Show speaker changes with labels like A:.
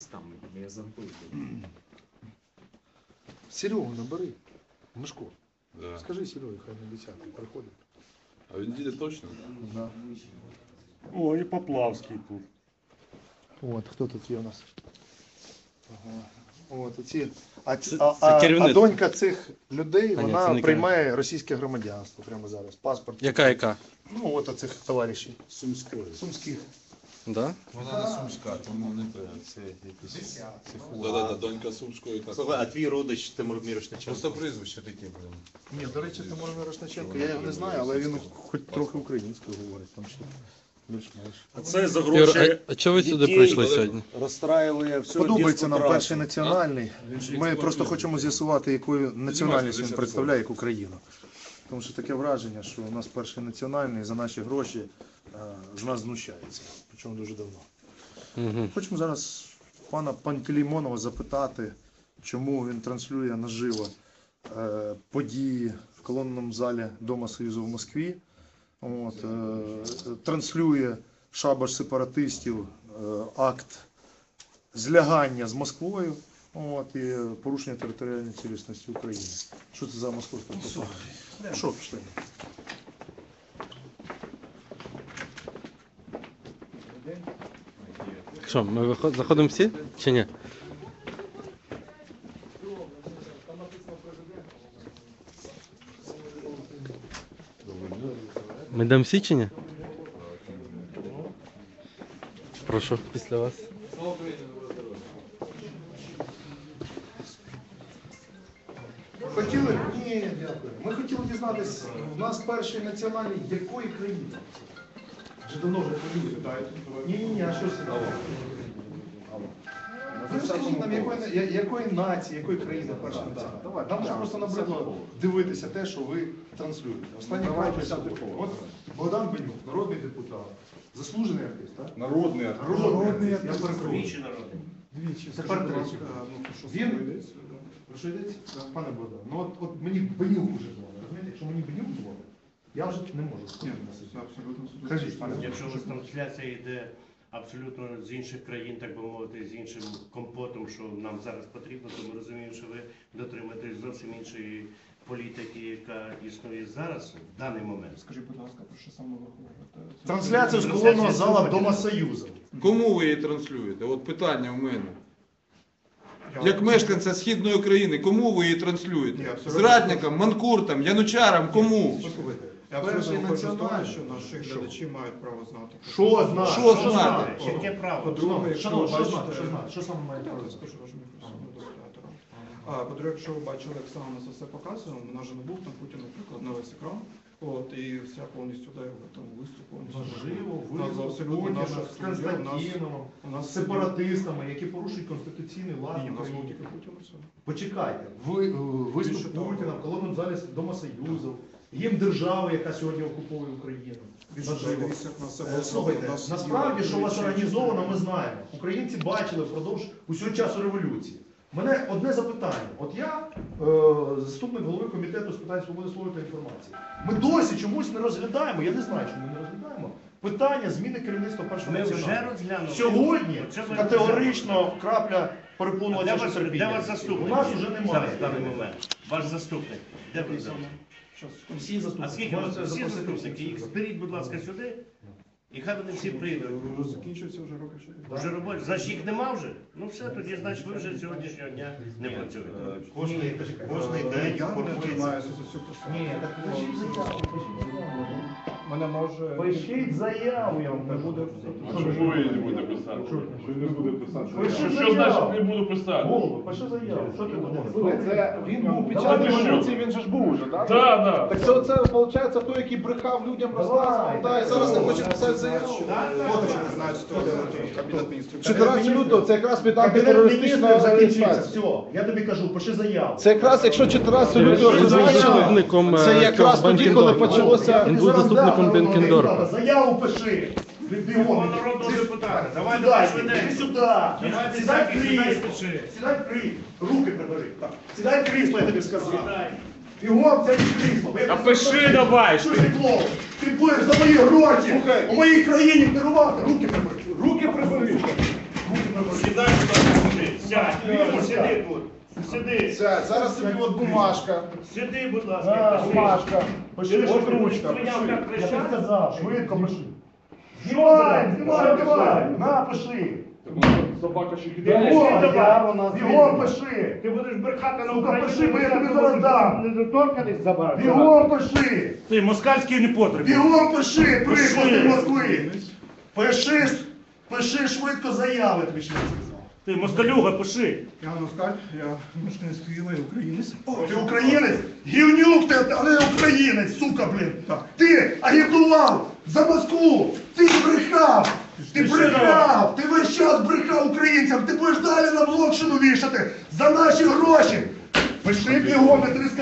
A: там, я забыл.
B: Серегу набери. Мишко.
C: Да.
B: Скажи Сереге, хай на 10 приходить.
C: А він їде точно?
B: Да.
D: О, і Поплавський тут.
B: От, хто тут є у нас? Ага. От, оці.
D: Це
B: А
D: керівництво.
B: донька цих людей,
D: А, ні, це
B: вона
D: не
B: приймає російське громадянство прямо зараз. Паспорт.
D: Яка?
B: Ну, от оцих товаришів.
A: Сумской.
B: Сумських.
D: Да?
C: Вона не сумська, тому не певно. Це якісь... Да, донька сумської. Так.
A: Слухай, а твій родич Тимур Мірошниченко?
C: Просто прізвище таке, блин.
B: Ні, до речі, Тимур Мірошниченко, я його не знаю, але він хоч трохи українською говорить. Там ще більш-менш.
A: А це за
D: Юр,
A: гроші
D: а чого ви сюди
A: дітей
D: прийшли сьогодні?
A: розстраює всю
B: Подобається нам
A: радянську
B: перший
A: працю.
B: національний.
C: Він ж
B: Ми
C: експлуатує.
B: просто хочемо з'ясувати, якою національність він
C: 10
B: представляє, як Україну. Тому що таке враження, що у нас перший національний за наші гроші з нас знущається. Причому дуже давно.
D: Угу.
B: Хочемо зараз пана Пантелеймонова запитати, чому він транслює наживо події в колонному залі Дома Союзу в Москві. От, транслює шабаш сепаратистів, акт злягання з Москвою, от, і порушення територіальної цілісності України. Що це за московська пропаганда? Що пішли?
D: Що, ми заходимо всі чи ні? Ми йдемо всі чи ні? Прошу, після вас.
B: Хотіли? Ні, дякую. Ми хотіли дізнатися, в нас перший національний якої країни? Вже давно вже хвилюють. Ні, а що це? Ви скажіть нам, якої нації, якої країни перша національна? Давай, нам вже просто набридло дивитися те, що ви транслюєте. Останній край от Богдан Бенюк, народний депутат, заслужений артист, так?
C: Народний артист.
B: Народний артист. Я перепрошую.
E: Двічі народний.
B: Двічі. Тепер третій. Він? Про що йдеться? Пане Богдан, ну от мені Бенюк уже дзвонить. Розумієте, якщо мені Бенюк дзвонить, я вже не можу спокійно сидіти.
C: Абсолютно.
B: Кажіть, пане
E: Якщо у вас
B: Богдан.
E: трансляція йде абсолютно з інших країн, так би мовити, з іншим компотом, що нам зараз потрібно, то ми розуміємо, що ви дотримуєтесь зовсім іншої політики, яка існує зараз, в даний момент.
F: Скажіть, будь ласка, про що саме ви говорите?
B: Трансляцію з колонного зала Дома Союзу.
C: Кому ви її транслюєте? От питання у мене. Як мешканця Східної України, кому ви її транслюєте? Зрадникам, манкуртам, янучарам, кому?
B: Послухайте,
F: Я
B: перший
F: абсолютно виходжу з того,
B: національний.
F: що наші глядачі мають право знати.
B: Що знати?
C: Що знати?
E: Яке право?
F: По-друге, якщо ви
B: Що знати?
F: бачите...
B: Що знати? Що саме має
F: Я
B: право?
F: скажу вашому мікрофону дозволяти. По-друге, якщо ви бачили, як саме нас все показує, у нас же не був там Путін, наприклад, на весь екран. От, і вся повністю де там виступ повністю.
B: Можливо,
F: У нас абсолютно
B: Путіна
F: наша
B: з
F: студія,
B: Константиновим,
F: у нас
B: з сепаратистами, які порушують конституційний лад
F: Ні, у нас був
B: України.
F: тільки Путін і все.
B: Почекайте, виступ
F: Більше того.
B: Путіна в колонному залі Дома Союзу, гімн держави, яка сьогодні окуповує Україну. Наживо.
F: Дивіться, як нас все було.
B: Слухайте,
F: У нас
B: насправді, що у вас
F: є
B: організовано, ми знаємо. Українці бачили впродовж усього часу революції. У мене одне запитання. От я заступник голови комітету з питань свободи слова та інформації. Ми досі чомусь не розглядаємо, я не знаю, чому ми не розглядаємо, питання зміни керівництва першого
E: Ми вже
B: національного.
E: розглянули.
B: Сьогодні
E: Оце ви
B: категорично крапля
E: А
B: перепонувача
E: де ваш
B: терпіння.
E: заступник?
B: У нас вже
E: Зараз,
B: немає.
E: в даний момент. Ваш заступник. Де ви зараз?
B: Всі
E: А
B: заступники.
E: скільки у вас
B: Можете
E: всі
B: запросити
E: заступники?
B: всіх.
E: Їх зберіть, будь ласка, сюди. І хай вони всі прийдуть.
F: Закінчується вже роки 4.
E: Вже робочі. Значить їх нема вже? Ну все, тоді значить ви вже з сьогоднішнього дня не працюєте.
A: Кожний
F: Я
A: день
F: не
A: формується.
F: займаюся за цю посаду.
B: Ні, так пишіть заяву.
F: Мене може...
B: Пишіть заяву, я вам
F: Не
B: кажу.
F: буде...
G: Чому я не буду писати? Що не буде писати?
B: Пиши
G: Що значить
B: заяву.
G: не буду писати?
B: Голову, пиши заяву. Що ти думаєш?
H: Це він був під час
B: Давай,
H: революції, він же ж був уже, так?
G: Так, так.
H: Так це виходить той, який брехав людям, розказував, та, і зараз не хоче писати заяву.
F: Фоточки не знають, що це Кабінет міністрів.
H: 14 лютого, це якраз від
B: Кабінет
H: антитерористичної
B: міністрів закінчився.
H: організації.
B: Все, я тобі кажу, пиши заяву.
H: Це якраз, якщо 14 лютого
D: Він був
H: призначили,
D: заступником
H: це якраз тоді, коли
D: Бенкендорфа.
H: почалося...
D: Він був заступником Бенкендорфа.
B: Заяву пиши. Бігом.
E: Народного депутата. Давай,
B: Сідай,
E: давай,
B: іди сюди.
E: Давай,
B: Сідай в
E: сідай,
B: крісло.
E: пиши.
B: Сідай в крісло. Руки прибери. Так. Сідай в крісло, я тобі сказав.
E: Сідай.
B: Бігом, сядь в крісло.
G: А пиши давай!
B: Що ти клоун? Ти будеш за мої гроші
H: Слухай.
B: у моїй країні керувати. Руки прибери.
H: Руки прибери.
B: Руки прибери.
E: Сідай, будь ласка. Сядь,
H: Вільно
E: сиди тут. Сиди.
H: Сядь, зараз тобі от бумажка.
E: Сиди, будь ласка.
H: Бумажка. Пиши,
E: Ти
H: от
E: що,
H: ручка.
E: прийняв
H: Пиши.
E: як прища?
H: Я тобі сказав, швидко пиши.
E: Знімай,
H: Знімай, на, пиши.
G: Собака ще
H: Бігом пиши.
E: Ти будеш брехати на
H: Сука,
E: Україні.
H: пиши, бо я тобі зараз дам.
E: Недоторканість забрати.
H: Бігом пиши.
E: Ти москальський непотріб.
H: Бігом пиши, приклад
E: Пиши.
H: ти Москви. Пиши швидко заяви, тобі ще не сказав.
E: Ти москалюга, пиши.
F: Я Москаль, я мешканець Києва і українець.
H: Ти українець? Гівнюк ти, а не українець, сука, блін. Ти агітував за Москву, ти брехав, ти весь час брехав українцям, ти будеш далі на Блокшину вішати за наші гроші. Пиши бігом, я тобі сказав.